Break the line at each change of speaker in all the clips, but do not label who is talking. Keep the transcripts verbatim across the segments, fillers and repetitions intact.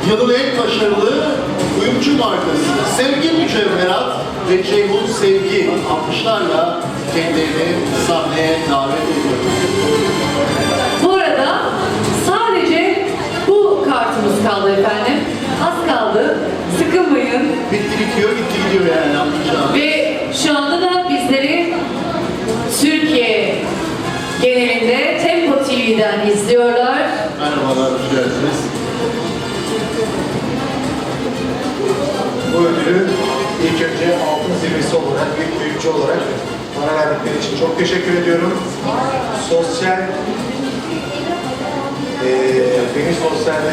Yılın en başarılı kuyumcu markası Sevgi Mücevherat ve Ceyhun Sevgi alkışlarla kendilerini sahneye davet ediyoruz.
Bu arada sadece bu kartımız kaldı efendim. Az kaldı. Sıkılmayın.
Bitti bitiyor, gitti gidiyor yani anlayacağım.
Ve şu anda da bizleri Türkiye genelinde Tempo T V'den izliyorlar.
Merhabalar, hoş geldiniz.
Bu ödülü ilk önce altın zirvesi olarak, büyük büyükçü olarak bana verdikleri için çok teşekkür ediyorum. Sosyal, eee beni sosyalde,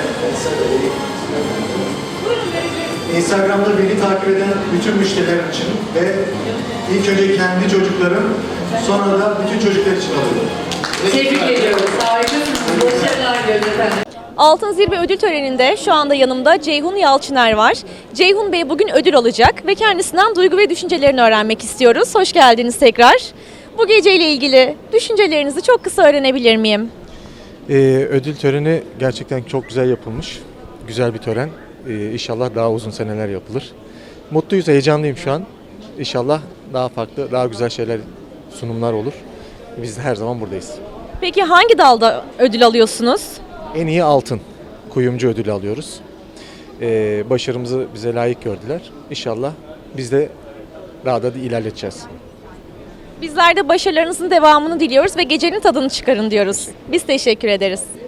Instagram'da beni takip eden bütün müşterilerim için ve ilk önce kendi çocuklarım, sonra da bütün çocuklar için alıyorum.
Tebrik ediyoruz. Harikasınız. Başarılar diliyoruz efendim.
Altın Zirve ödül töreninde şu anda yanımda Ceyhun Yalçıner var. Ceyhun Bey bugün ödül alacak ve kendisinden duygu ve düşüncelerini öğrenmek istiyoruz. Hoş geldiniz tekrar. Bu geceyle ilgili düşüncelerinizi çok kısa öğrenebilir miyim?
Ee, ödül töreni gerçekten çok güzel yapılmış. Güzel bir tören. Ee, İnşallah daha uzun seneler yapılır. Mutluyuz, heyecanlıyım şu an. İnşallah daha farklı, daha güzel şeyler, sunumlar olur. Biz de her zaman buradayız.
Peki hangi dalda ödül alıyorsunuz?
En iyi altın kuyumcu ödülü alıyoruz. Ee, başarımızı bize layık gördüler. İnşallah biz de daha da ilerleteceğiz.
Bizler de başarılarınızın devamını diliyoruz ve gecenin tadını çıkarın diyoruz. Biz teşekkür ederiz.